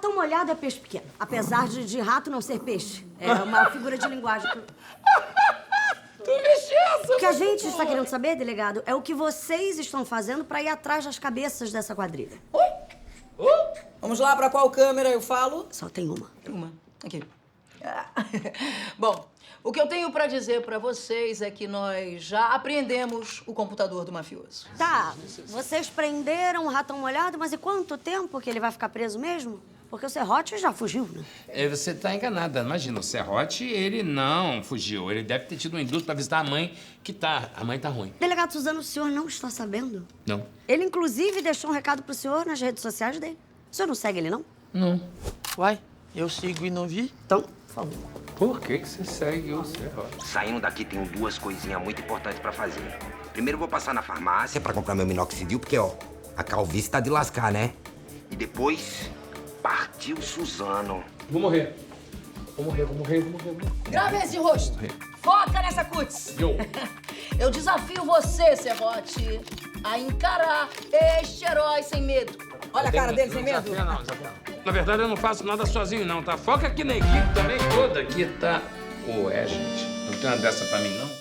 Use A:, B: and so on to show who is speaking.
A: Ratão molhado é peixe pequeno. Apesar de rato não ser peixe. É uma figura de linguagem.
B: Tu mexeu.
A: O que a gente está querendo saber, delegado, é o que vocês estão fazendo pra ir atrás das cabeças dessa quadrilha.
C: Vamos lá, pra qual câmera eu falo?
A: Só tem uma.
C: Uma. Aqui. Bom, o que eu tenho pra dizer pra vocês é que nós já apreendemos o computador do mafioso.
A: Tá, vocês prenderam o ratão molhado, mas e quanto tempo que ele vai ficar preso mesmo? Porque o Serrote já fugiu, né?
B: Você tá enganada. Imagina, o Serrote, ele não fugiu. Ele deve ter tido um indulto pra visitar a mãe, a mãe tá ruim.
A: Delegado Suzano, o senhor não está sabendo?
B: Não.
A: Ele, inclusive, deixou um recado pro senhor nas redes sociais dele. O senhor não segue ele, não?
B: Não.
D: Uai, eu sigo e não vi?
A: Então, por favor.
B: Por que você segue o Serrote?
E: Saindo daqui, tenho duas coisinhas muito importantes pra fazer. Primeiro, vou passar na farmácia pra comprar meu minoxidil, porque, ó, a calvície tá de lascar, né? E depois, partiu Suzano.
B: Vou morrer. Vou morrer.
C: Grave esse rosto. Foca nessa cutis.
B: Eu.
C: Eu desafio você, Serrote, a encarar este herói sem medo. Olha a cara dele sem medo.
B: Desafia não. Na verdade, eu não faço nada sozinho, não, tá? Foca aqui na equipe também toda. Aqui tá... Gente, não tem uma dessa pra mim, não?